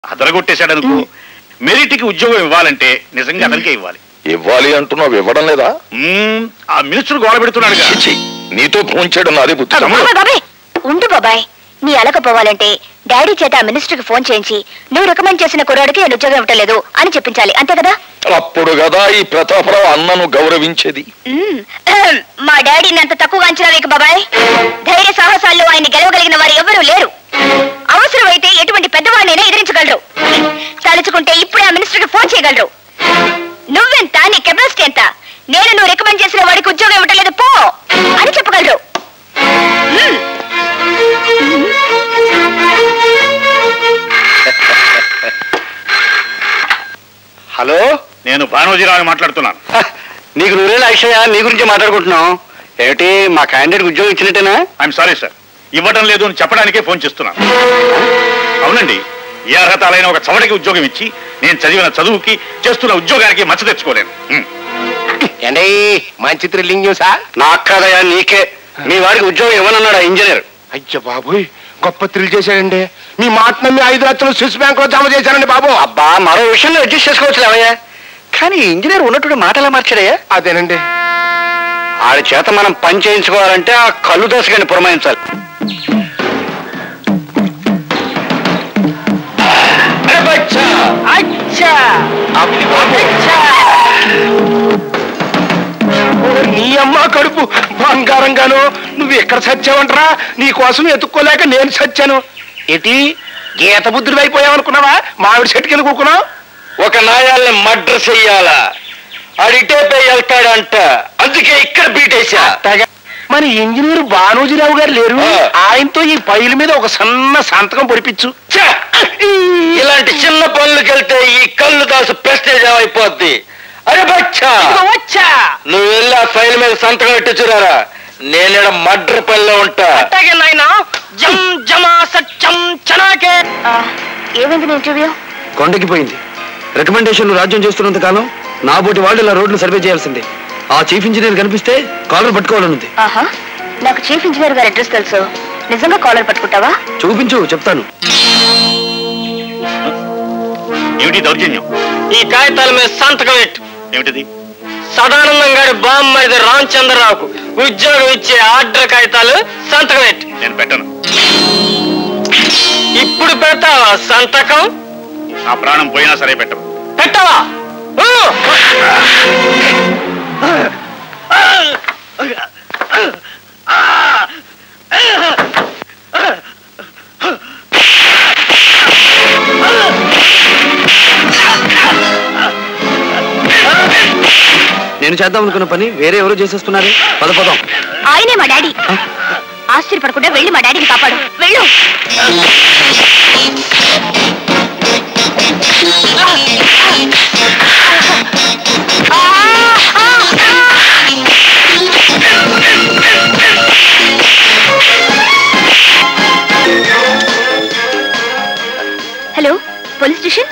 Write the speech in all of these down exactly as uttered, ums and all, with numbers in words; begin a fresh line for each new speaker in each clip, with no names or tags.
అదరగొట్టేశాడు అనుకో. మెరిట్కి ఉద్యోగం ఇవ్వాలంటే నిజంగా అతనికే ఇవ్వాలి.
ఇవ్వాలి అంటున్నావు, ఇవ్వడం లేదా?
ఆ మినిస్టర్ గోడ పెడుతున్నాడు.
నీతో ఫోన్ చేయడం నాదే బుద్ధి.
ఉండు బాబాయ్, నీ అలకపోవాలంటే డాడీ చేత ఆ మినిస్టర్ కి ఫోన్ చేయించి నువ్వు రికమెండ్ చేసిన కుర్రాడికి నేను ఉద్యోగం ఇవ్వట్లేదు అని చెప్పించాలి, అంతే కదా?
అప్పుడు కదా ఈ ప్రతాపరావు అన్నను గౌరవించేది.
మా డాడీని అంత తక్కువగా అంచనా వేయకు బాబాయ్. ధైర్య సాహసాల్లో ఆయన గెలవగలిగిన వారు ఎవరూ లేరు. అవసరమైతే ఎటువంటి పెద్దవాడినైనా ఎదిరించగలరు. తలుచుకుంటే ఇప్పుడే ఆ మినిస్టర్ కి ఫోన్ చేయగలరు. నువ్వెంత, నీ కెపాసిటీ ఎంత, నేను నువ్వు రికమెండ్ చేసిన వాడికి ఉద్యోగం ఇవ్వట్లేదు పో అని చెప్పగలరు.
హలో, నేను భానోజీరావు మాట్లాడుతున్నాను.
నీకు నువ్వేలా అక్షయ, నీ గురించి మాట్లాడుకుంటున్నాం. ఏమిటి, మా క్యాండిడేట్ ఉద్యోగం ఇచ్చినట్టేనా?
ఐఎమ్ సారీ సార్, ఇవ్వడం లేదు అని చెప్పడానికే ఫోన్ చేస్తున్నాను. అవునండి, ఏ అర్హతలైన ఒక చవటికి ఉద్యోగం ఇచ్చి నేను చదివిన చదువుకి చేస్తున్న ఉద్యోగానికి మచ్చ తెచ్చుకోలేను.
ఏంటి మంచి థ్రిల్లింగ్ న్యూసా? నాకు కాదయా, నీకే. మీ వాడికి ఉద్యోగం ఇవ్వనన్నాడు ఆ ఇంజనీర్.
అయ్య బాబోయ్, గొప్ప థ్రిల్ చేశాడండి. మీ మాట నమ్మి ఐదు లక్షలు స్విస్ బ్యాంక్ లో జమ చేశానండి బాబు.
అబ్బా, మరో విషయంలో అడ్జస్ట్ చేసుకోవచ్చు లేవయ్యా. కానీ ఇంజనీర్ ఉన్నట్టు మాటలా మార్చాడయ్యా.
అదేనండి,
ఆడి చేత మనం పని చేయించుకోవాలంటే ఆ కళ్ళు దశగాని పురమాయించాలి.
నీ అమ్మ కడుపు బంగారంగాను. నువ్వు ఎక్కడ సచ్చావంటరా? నీ కోసం ఎత్తుక్కోలేక నేను సచ్చాను. ఏంటి గీత బుద్ధుడు అయిపోయావనుకున్నావా? మామిడి చెట్టుకెళ్ళి కూకున్నావు.
ఒక నాయాల్ని మర్డర్ చెయ్యాలా, అడిటే పోయి వెళ్తాడంట, అందుకే ఇక్కడ బీటేసా.
మన ఇంజనీర్ భానోజీరావు గారు లేరు, ఆయనతో ఈ ఫైల్ మీద ఒక సన్న సంతకం పొడిపించు.
ఇలాంటి చిన్న పనులకు వెళ్తే ఈ కళ్ళు దాసు ప్రెస్టేజ్ అయిపోద్ది. అరే బచ్చా,
వచ్చా
నువ్వు వెళ్ళి ఆ ఫైల్ మీద సంతకం పెట్టించురారా. నేను మర్డర్ పనిలో ఉంటా.
ఏమైంది ఇంటర్వ్యూ?
కొండకి పోయింది. రికమెండేషన్లు రాజ్యం చేస్తున్నంత కాలం నా బోటి వాళ్ళు ఇలా రోడ్లు సర్వే చేయాల్సిందే. ఆ చీఫ్ ఇంజనీర్ కనిపిస్తే కాలర్ పట్టుకోవాలనుంది.
ఆహా, నాకు చీఫ్ ఇంజనీర్ గారి అడ్రస్ తెలుసు. నిజంగా కాలర్ పట్టుకుంటావా?
చూపించు, చెప్తాను.
ఏమిటి దౌర్జన్యం?
ఈ కాగితాల మీద సంతకం పెట్టు.
ఏమిటిది?
సదానందం గారి బామ్మది రామచంద్రరావుకు ఉద్యోగం ఇచ్చే ఆర్డర్ కాగితాలు సంతకం పెట్టు.
నేను పెట్టను.
ఇప్పుడు పెడతావా సంతకం?
నా ప్రాణం పోయినా సరే పెట్టను.
పెట్టవా? నేను చేద్దాం అనుకున్న పని వేరే ఎవరు చేసేస్తున్నారు. పద పదం.
ఆయనే మా డాడీ. ఆశ్చర్యపడకుండా వెళ్ళి మా డాడీని కాపాడు. వెళ్ళు. Hello, police station.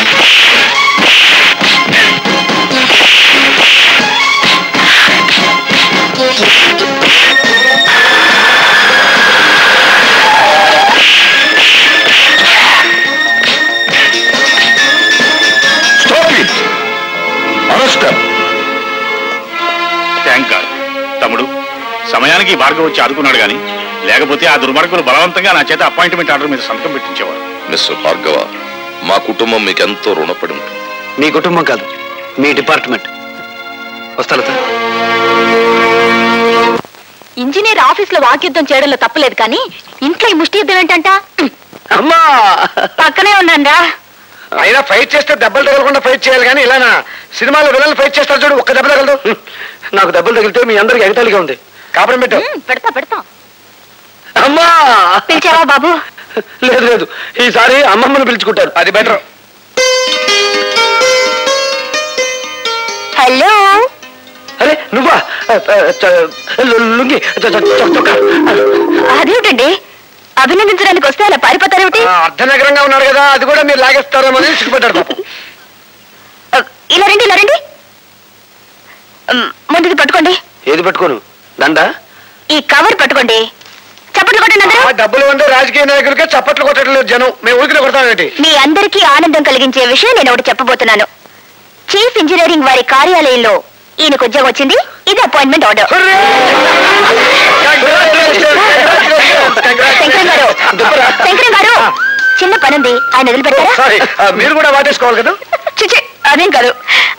Thank god. తమ్ముడు, సమయానికి భార్గవ్ వచ్చి ఆదుకున్నాడు గాని లేకపోతే ఆ దుర్మార్గులు బలవంతంగా నా చేత అపాయింట్మెంట్ ఆర్డర్ మీద సంతకం పెట్టించేవారు.
మిస్టర్ భార్గవ, మా కుటుంబం మీకు ఎంతో రుణపడి ఉంటుంది.
మీ కుటుంబం కాదు, మీ డిపార్ట్మెంట్. వస్తా.
ఇంజనీర్ ఆఫీస్ లో వాక్యుద్ధం చేయడంలో తప్పలేదు, కానీ ఇంట్లో ఈ ముష్టి యుద్ధం ఏంటంట?
అమ్మా,
పక్కనే ఉన్నారా?
అయినా ఫైట్ చేస్తే దెబ్బలు తగలకుండా ఫైట్ చేయాలి, కానీ ఇలానా? సినిమాలో విలన్లు ఫైట్ చేస్తారు చూడు, ఒక్క దెబ్బ తగలదు.
నాకు దెబ్బలు తగిలితే మీ అందరికి ఎగతాళిగా ఉంది.
కాపురం పెట్టు.
పెడతా పెడతా.
అమ్మా,
పిలిచావా బాబు?
లేదు లేదు, ఈసారి అమ్మమ్మను పిలుచుకుంటారు, అది బెటర్.
హలో.
అరే నువ్వా? లుంగి
అదేమిటండి, అభినందించడానికి వస్తే అలా పారిపోతారేమిటి?
అర్ధనగరంగా ఉన్నారు కదా, అది కూడా మీరు లాగేస్తారేమో అని సిగ్గుపడ్డారు.
ఇలా రండి, ఇలా రండి. ముందుది పట్టుకోండి.
ఏది పట్టుకోను? దండ?
ఈ కవర్ పట్టుకోండి. చప్పట్లు కొట్టండి అందరూ.
డబ్బులు ఉంటే రాజకీయ నాయకులకే చప్పట్లు కొట్టడం లేదు జనం. మేము ఊరికి కొడతామేంటి?
మీ అందరికీ ఆనందం కలిగించే విషయం నేను ఒకటి చెప్పబోతున్నాను. చీఫ్ ఇంజనీరింగ్ వారి కార్యాలయంలో ఈయనకు ఉద్యోగం వచ్చింది. ఇది అపాయింట్మెంట్ ఆర్డర్. శంకరం గారు, శంకరం గారు, చిన్న పనుంది, ఆయన వదిలిపెట్టారా?
మీరు కూడా వాటేసుకోవాలి కదా.
చిచి, అదేం కాదు.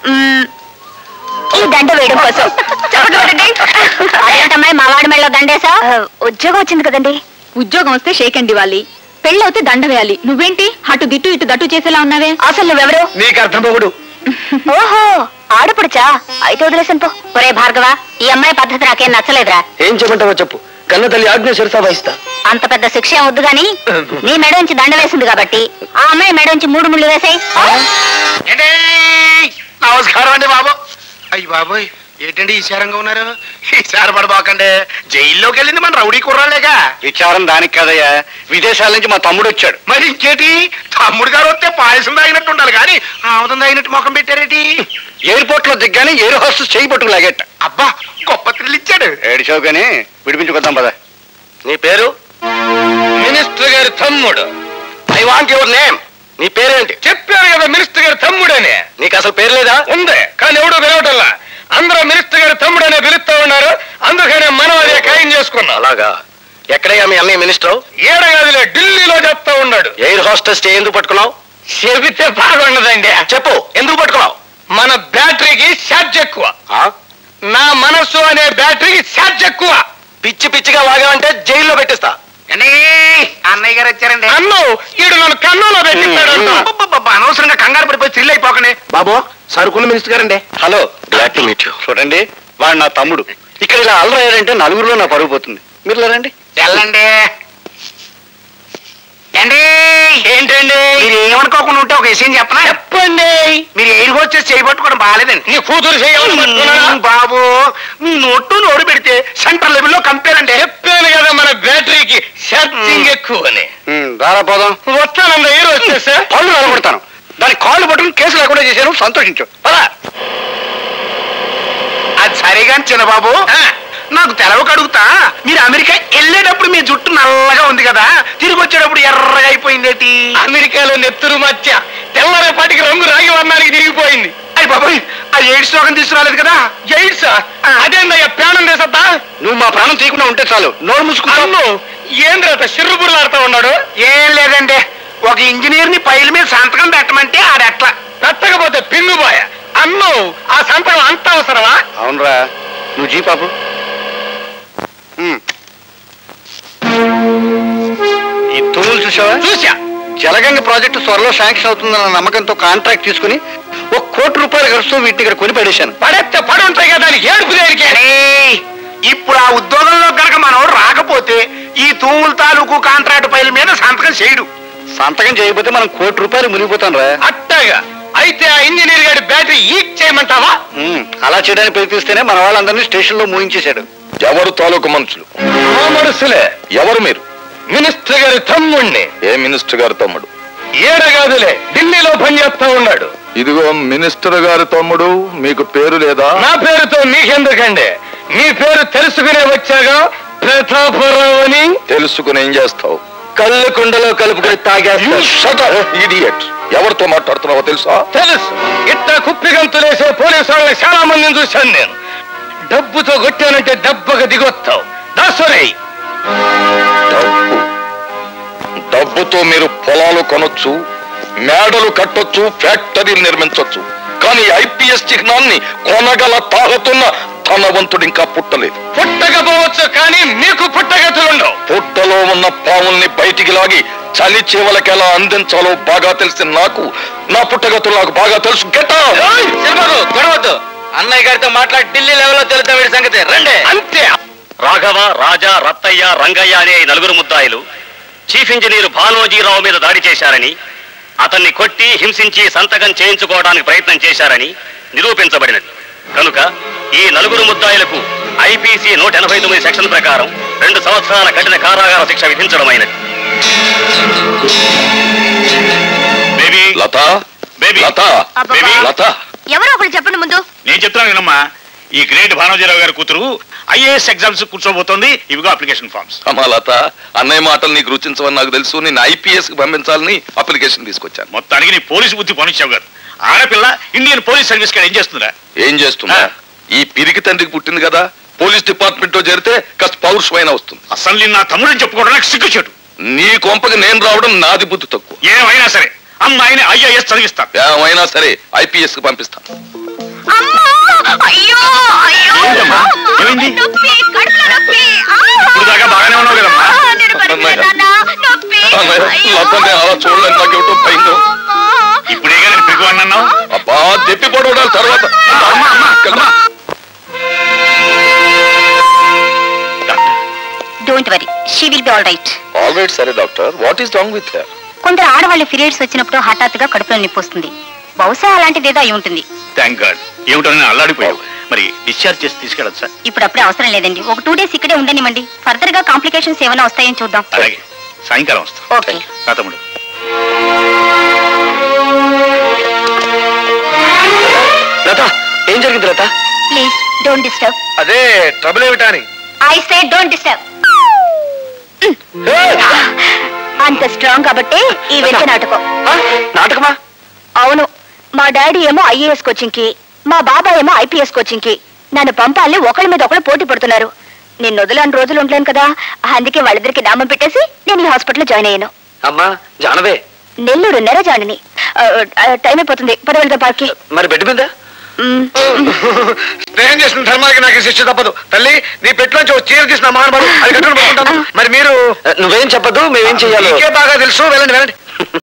ఈ దండ వేయడం కోసం. అదేంటమ్మాయి మా వాడి మెళ్ళలో దండేసా? ఉద్యోగం వచ్చింది కదండి.
ఉద్యోగం వస్తే షేక్ అండ్ ఇవ్వాలి, పెళ్ళవుతే దండ వేయాలి. నువ్వేంటి అటు దిట్టు ఇటు దట్టు చేసేలా ఉన్నావే?
అసలు నువ్వెవరు?
నీకు అర్థం పోగుడు.
ఓహో, ఆడపడుచా? అయితే వదిలేసాను పో. ఒరే భార్గవ, ఈ అమ్మాయి పద్ధతి నాకేం నచ్చలేదురా.
ఏం చెప్పంటావో చెప్పు, కన్న తల్లి ఆజ్ఞ శిరసా వహిస్తా.
అంత పెద్ద శిక్ష ఏం వద్దు గాని నీ మెడ నుంచి దండ వేసింది కాబట్టి ఆ అమ్మాయి మెడ నుంచి మూడు ముళ్ళు వేసాయి.
నమస్కారం అండి బాబు. అయ్యి బాబోయ్, ఏంటండి ఈశారంగా ఉన్నారు? ఈసారి పడబాకండి. జైల్లోకి వెళ్ళింది మన రౌడీ కుర్రాలేగా.
విచారం దానికి కదయ్యా, విదేశాల నుంచి మా తమ్ముడు వచ్చాడు.
మరి ఇంకేటి, తమ్ముడు గారు వస్తే పాయసం తాగినట్టు ఉండాలి కానీ ఆముదం తాగినట్టు ముఖం పెట్టారేటి?
ఎయిర్పోర్ట్ లో దిగ్గానే ఎయిర్ హోస్టెస్ చేయి పట్టుకు లాగేట.
అబ్బా, గొప్ప థ్రిల్ ఇచ్చాడు.
ఏడిచావు కానీ విడిపించుకొద్దాం పద.
నీ పేరు? మినిస్టర్ గారి తమ్ముడు. I want your name. నీ పేరేంటి? చెప్పారు కదా మినిస్టర్ గారి తమ్ముడని. నీకు అసలు పేరు లేదా? ఉంది, కానీ ఎవడో పిలవటల్లా. అందరూ మినిస్టర్ గారి తమ్ముడనే పిలుస్తా ఉన్నారు, అందుకనే మనం అదే ఖాయం చేసుకున్నాం. అలాగా? ఎక్కడయ్యా మీ అన్నయ్య మినిస్టర్? ఏడగాదిలే, ఢిల్లీలో చెప్తా ఉన్నాడు. ఎయిర్ హోస్టెస్ ఎందుకు పట్టుకున్నావు? చెబితే బాగుండదండి. చెప్పు, ఎందుకు పట్టుకున్నావు? మన బ్యాటరీకి ఛార్జ్ ఎక్కువ. నా మనస్సు అనే బ్యాటరీకి ఛార్జ్ ఎక్కువ. పిచ్చి పిచ్చిగా వాగావంటే జైల్లో పెట్టిస్తా. అన్నయ్య గారు వచ్చారండి. అన్ను ఈడు నన్ను కన్నులో పెట్టిస్తాడు. అనవసరంగా కంగారు పడిపోయి థ్రిల్ అయిపోకనే. బాబు, సరుకున్న మినిస్టర్ గారండి.
Hello, glad to meet you. చూడండి, వాడు నా తమ్ముడు. ఇక్కడ ఇలా అల్లరయ్యారంటే నలుగురిలో నా పరుగు పోతుంది. మీరు రండి.
వెళ్ళండి. ఏంటి ఏంటండి మీరు ఏమనుకోకుండా ఉంటే ఒక విషయం చెప్పనా? చెప్పండి. మీరు ఎయిర్ హోస్టెస్ చేయబట్టుకోవడం బాగాలేదండి. నీ కూతురు చేయాలి బాబు. మీ నోట్టు నోరు పెడితే సెంట్రల్ లెవెల్లో కంపేర్ అంటే చెప్పాను కదా, మన బ్యాటరీకి ఛార్జింగ్ ఎక్కువ అని.
రారా పోదాం.
వస్తానండి, ఎయిర్ హోస్టెస్.
పళ్ళు నిలబడతాను. దాని కాళ్ళు పట్టుకుని కేసు లేకుండా చేశాను, సంతోషించు.
అది సరేగాని చిన్నబాబు, నాకు తెలవక అడుగుతా, మీరు అమెరికా వెళ్ళేటప్పుడు మీ జుట్టు నల్లగా ఉంది కదా, తిరిగి వచ్చేటప్పుడు ఎర్రగా అయిపోయిందేటి? అమెరికాలో నెత్తురు మధ్య తెల్లరేపాటికి రంగు రాగి వర్ణానికి తిరిగిపోయింది. అయ్యి బాబాయ్, ఆ ఎయిడ్స్ రోగం తీసుకురాలేదు కదా? ఎయిడ్స్ అదేందయ్యా, ప్రాణం తీసద్దా?
నువ్వు మా ప్రాణం తీయకుండా ఉంటే చాలు. నోరు మూసుకున్నాను.
ఏంద్రత సిర్రుబుర్లాడుతూ ఉన్నాడు? ఏం లేదండి, ఒక ఇంజనీర్ ని పైల మీద సంతకం పెట్టమంటే ఆడెట్లా పెట్టకపోతే పిన్నుబాయ అన్ను. ఆ సంతకం అంత అవసరమా?
అవునరా, నువ్వు జీ పాపు. ఈ తూములు చూసావా?
చూసా.
జలగంగ ప్రాజెక్టు త్వరలో శాంక్షన్ అవుతుందన్న నమ్మకంతో కాంట్రాక్ట్ తీసుకుని ఒక కోటి రూపాయలు ఖర్చుతో వీటిని ఇక్కడ కొని పడేశాను.
పడేస్తే పడి ఉంటాయి కదా, దానికి ఏడుపు దేనికే? ఇప్పుడు ఆ ఉద్యోగంలో కనుక మనం రాకపోతే ఈ తూముల తాలూకు కాంట్రాక్ట్ పైల మీద సంతకం చేయడు.
సంతకం చేయకపోతే మనం కోటి రూపాయలు మునిగిపోతాం రా.
అట్టగా అయితే ఆ ఇంజనీర్ గారి బ్యాటరీ ఈక్ చేయమంటావా?
అలా చేయడానికి ప్రయత్నిస్తేనే మన వాళ్ళందరినీ స్టేషన్ లో మూయించేశాడు.
ఎవరు తాలూకు మనుషులు?
ఆ మనుషులే.
ఎవరు మీరు?
మినిస్టర్ గారి తమ్ముడిని.
ఏ మినిస్టర్ గారి తమ్ముడు?
ఏడగాదులే, ఢిల్లీలో పనిచేస్తా ఉన్నాడు.
ఇదిగో మినిస్టర్ గారి తమ్ముడు, మీకు పేరు లేదా?
నా పేరుతో మీకెందుకండి, మీ పేరు తెలుసుకునే వచ్చాగా. ప్రతాపరావు అని.
తెలుసుకుని ఏం చేస్తావు?
కళ్ళు కుండలో కలుపుకొని తాగేస్తా.
ఇడియట్. ఎవరితో మాట్లాడుతున్నావో తెలుసా?
తెలుసు. ఇట్లా కుప్పిగంతులేసే పోలీసు వాళ్ళని చాలా మందిని చూశాను నేను. డబ్బుతో కొట్టానంటే దెబ్బగా దిగొస్తావు. దాసరే,
డబ్బు డబ్బుతో మీరు పొలాలు కొనొచ్చు, మేడలు కట్టొచ్చు, ఫ్యాక్టరీలు నిర్మించొచ్చు. కానీ ఐపీఎస్ చిహ్నాన్ని కొనగల తాగుతున్న ధనవంతుడు ఇంకా పుట్టలేదు.
పుట్టకపోవచ్చు, కానీ మీకు పుట్టగతులుండవు.
పుట్టలో ఉన్న పాముల్ని బయటికి లాగి చలి చేవలకి ఎలా అందించాలో బాగా తెలిసిన నాకు నా పుట్టగతులు నాకు బాగా తెలుసు.
గొడవద్దు, అన్నయ్య గారితో మాట్లాడి ఢిల్లీ లెవెల్లో తెలుతా వీడి సంగతి. రండి.
అంతే.
రాఘవ, రాజా, రత్తయ్య, రంగయ్య అనే నలుగురు ముద్దాయిలు చీఫ్ ఇంజనీర్ భానోజీరావు మీద దాడి చేశారని, అతన్ని కొట్టి హింసించి సంతకం చేయించుకోవడానికి ప్రయత్నం చేశారని నిరూపించబడినది. కనుక ఈ నలుగురు ముద్దాయిలకు ఐపీసీ నూట ఎనభై తొమ్మిది సెక్షన్ ప్రకారం రెండు సంవత్సరాల కఠిన కారాగార శిక్ష విధించడమైనది. Baby
Lata,
baby
Lata,
baby
Lata.
ఎవరో ఒకరు చెప్పండి ముందు.
నేను చెప్తున్నాను వినమ్మా.
ఈ గ్రేట్ భానోజీరావు గారి కూతురు ఐఏఎస్ ఎగ్జామ్స్ కూర్చోబోతోంది. ఇవిగో అప్లికేషన్ ఫార్మ్స్.
అమాలత, అన్నయ్య మాటలు నీకు రుచించవని నాకు తెలుసు. నేను ఐపీఎస్ కి పంపించాలని అప్లికేషన్ తీసుకొచ్చాను.
మొత్తానికి నీ పోలీసు బుద్ధి పనిచ్చావు కాదు. ఆడపిల్ల ఇండియన్ పోలీస్ సర్వీస్ కాడ ఏం చేస్తుందా?
ఏం చేస్తున్నా? ఈ పిరికి తండ్రికి పుట్టింది కదా, పోలీస్ డిపార్ట్మెంట్ లో చేరితే కాస్త పౌరుషమైన వస్తుంది.
అసలు నా తమ్ముడిని చెప్పుకోవడం నాకు సిగ్గుచేటు.
నీ కొంపకి నేను రావడం నాది బుద్ధి తక్కువ.
ఏమైనా సరే అమ్మాయిని ఐఏఎస్ చదివిస్తాను.
ఏమైనా సరే ఐపీఎస్ కి పంపిస్తాను.
ఏమైంది? ఇప్పుడు దాకా బాగానే ఉన్నావు కదమ్మా.
అలా చూడలేదు, నాకేమిటో భయంగా.
ఇప్పుడే నేను పిగువాడిని అన్నావు.
అబ్బా తెప్పి పడవడాలి తర్వాత.
Don't worry, she will be all right.
All right. సరే doctor, what is wrong with her?
కొందరు ఆడవాళ్ళు పీరియడ్స్ వచ్చినప్పుడు హఠాత్తుగా కడుపులో నొప్పి వస్తుంది. బహుశా అలాంటిది ఏదో అయి ఉంటుంది.
Thank god. ఏమిటో నేను అల్లాడిపోయావు. మరి డిశ్చార్జ్ చేసి తీసుకెళ్ళొచ్చా?
ఇప్పుడు అప్పుడే అవసరం లేదండి. ఒక టూ డేస్ ఇక్కడే ఉండనివ్వండి. ఫర్దర్ గా కాంప్లికేషన్స్ ఏమైనా వస్తాయని చూద్దాం.
అలాగే, సాయంకాలం వస్తా.
ఓకే
నా తమ్ముడు.
లత, ఏం జరిగింది లత?
Please don't disturb.
అదే ట్రబుల్ ఏమిటా అని.
I say don't disturb. అంత స్ట్రాంగ్ కాబట్టి ఈ వెంట నాటకం.
నాటకమా?
అవును, మా డాడీ ఏమో ఐఏఎస్ కోచింగ్ కి, మా బాబాయ్ ఏమో ఐపీఎస్ కోచింగ్ కి నన్ను పంపాలని ఒకళ్ళ మీద ఒకళ్ళు పోటీ పడుతున్నారు. నేను వదిలేని రోజులు ఉండలేను కదా, అందుకే వాళ్ళిద్దరికి నామం పెట్టేసి నేను ఈ హాస్పిటల్లో జాయిన్ అయ్యాను.
అమ్మా జానవే.
నెల్లూరు నెరజానిని. టైం అయిపోతుంది, పదవెళ్తా పార్కి.
మరి బెడ్ మీద
స్నేహం చేసిన ధర్మానికి నాకు శిక్ష తప్పదు. తల్లి, నీ పెట్టులోంచి ఒక చీర తీసిన మహానుభావుడు అది కట్టుకుని పడుకుంటాను. మరి మీరు
నువ్వేం చెప్పదు, మేమేం చెయ్యాలో
బాగా తెలుసు. వెళ్ళండి వెళ్ళండి.